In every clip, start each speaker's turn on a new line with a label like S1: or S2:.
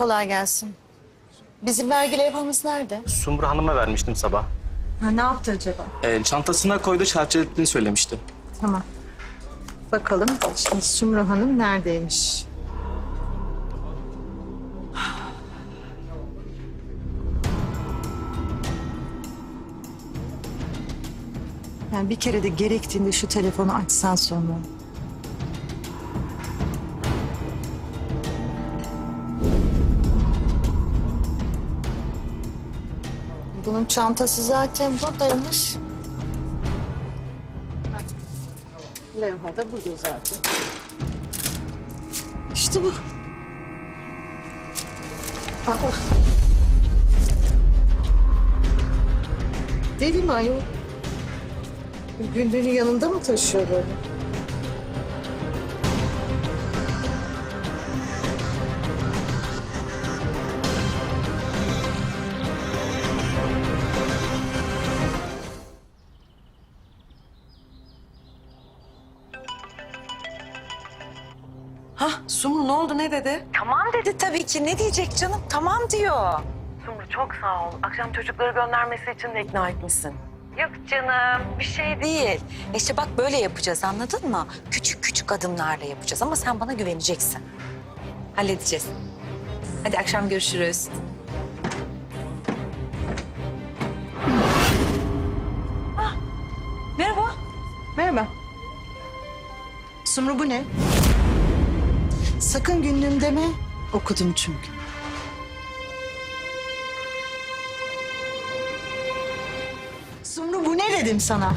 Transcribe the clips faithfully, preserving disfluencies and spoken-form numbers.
S1: Kolay gelsin. Bizim vergi levhamız nerede?
S2: Sumru Hanım'a vermiştim sabah.
S1: Ha, ne yaptı acaba?
S2: Ee, çantasına koydu, çerçevelettiğini söylemişti.
S1: Tamam. Bakalım şimdi Sumru Hanım neredeymiş? Yani bir kere de gerektiğinde şu telefonu açsan sonra. Bunun çantası zaten buradaymış. Levha da burada zaten. İşte bu. Aa. Deli mi ayol? Günlüğünü yanında mı taşıyor böyle?
S3: Hah Sumru ne oldu ne dedi?
S4: Tamam dedi tabii ki. Ne diyecek canım? Tamam diyor.
S3: Sumru çok sağ ol. Akşam çocukları göndermesi için de ikna etmişsin.
S4: Yok canım bir şey değil. İşte bak böyle yapacağız anladın mı? Küçük küçük adımlarla yapacağız ama sen bana güveneceksin. Halledeceğiz. Hadi akşam görüşürüz. Ah, merhaba.
S1: Merhaba. Sumru bu ne? Sakın günlüğüm deme. Okudum çünkü. Sumru bu ne dedim sana?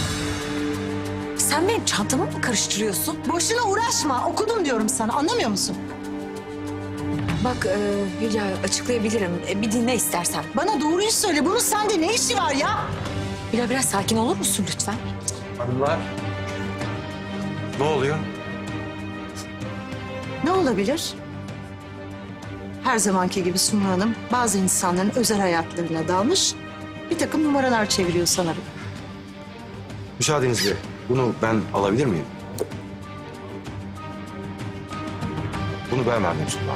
S4: Sen benim çantamı mı karıştırıyorsun?
S1: Boşuna uğraşma. Okudum diyorum sana. Anlamıyor musun?
S4: Bak e, Hülya açıklayabilirim. E, bir dinle istersen.
S1: Bana doğruyu söyle. Bunun sende ne işi var ya?
S4: Hülya biraz sakin olur musun lütfen?
S5: Hanımlar. Ne oluyor?
S1: Ne olabilir? Her zamanki gibi Sumru Hanım bazı insanların özel hayatlarına dalmış. Bir takım numaralar çeviriyor sanırım.
S5: Müsaadenizle bunu ben alabilir miyim? Bunu ben verdim Sultan.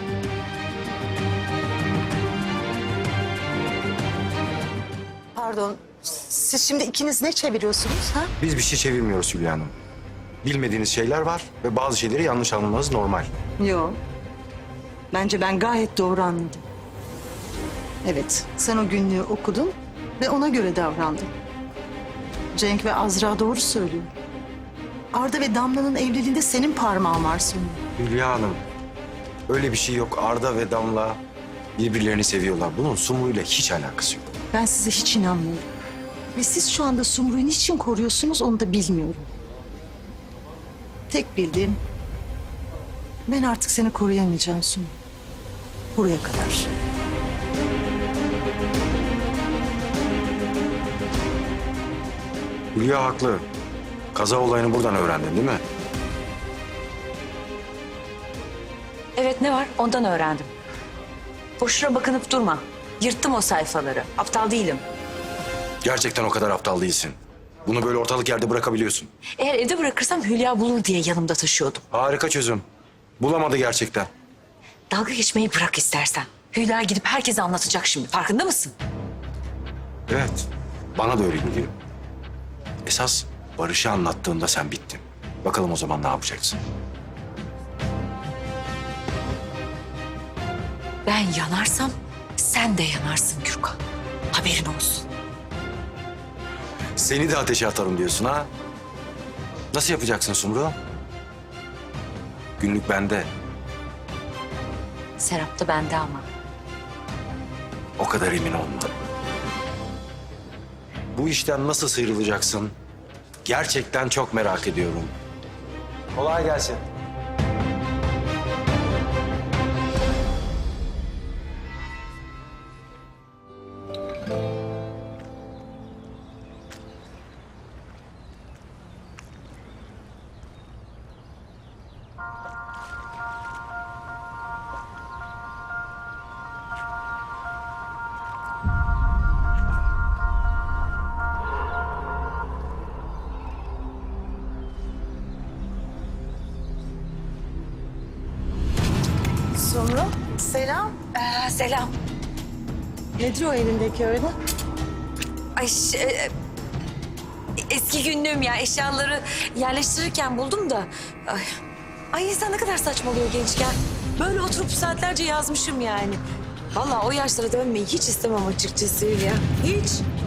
S1: Pardon. Siz şimdi ikiniz ne çeviriyorsunuz ha?
S5: Biz bir şey çevirmiyoruz Hülya Hanım. Bilmediğiniz şeyler var ve bazı şeyleri yanlış anlamanız normal.
S1: Yok. Bence ben gayet doğru anladım. Evet, sen o günlüğü okudun ve ona göre davrandın. Cenk ve Azra doğru söylüyor. Arda ve Damla'nın evliliğinde senin parmağın var Sumru.
S5: Hülya Hanım, öyle bir şey yok. Arda ve Damla birbirlerini seviyorlar. Bunun Sumru'yla hiç alakası yok.
S1: Ben size hiç inanmıyorum. Ve siz şu anda Sumru'yu niçin koruyorsunuz onu da bilmiyorum. Tek bildiğim, ben artık seni koruyamayacağım Sumru. Buraya kadar.
S5: Hülya haklı. Kaza olayını buradan öğrendin değil mi?
S4: Evet ne var ondan öğrendim. Boşuna bakınıp durma. Yırttım o sayfaları. Aptal değilim.
S5: Gerçekten o kadar aptal değilsin. Bunu böyle ortalık yerde bırakabiliyorsun.
S4: Eğer evde bırakırsam Hülya bulur diye yanımda taşıyordum.
S5: Harika çözüm. Bulamadı gerçekten.
S4: Dalga geçmeyi bırak istersen. Hülya gidip herkese anlatacak şimdi. Farkında mısın?
S5: Evet, bana da öyle geliyor. Esas Barış'ı anlattığında sen bittin. Bakalım o zaman ne yapacaksın?
S4: Ben yanarsam sen de yanarsın Gürkan. Haberin olsun.
S5: Seni de ateşe atarım diyorsun ha? Nasıl yapacaksın Sumru? Günlük bende.
S4: Serap da bende ama.
S5: O kadar emin olma. Bu işten nasıl sıyrılacaksın? Gerçekten çok merak ediyorum. Kolay gelsin.
S1: Sumru. Selam.
S4: Ee, selam.
S1: Nedir o elindeki öyle?
S4: Ay ş- e, eski günlüğüm ya, eşyaları yerleştirirken buldum da. Ay, ay insan ne kadar saçmalıyor gençken. Böyle oturup saatlerce yazmışım yani. Vallahi o yaşlara dönmeyi hiç istemem açıkçası ya. Hiç.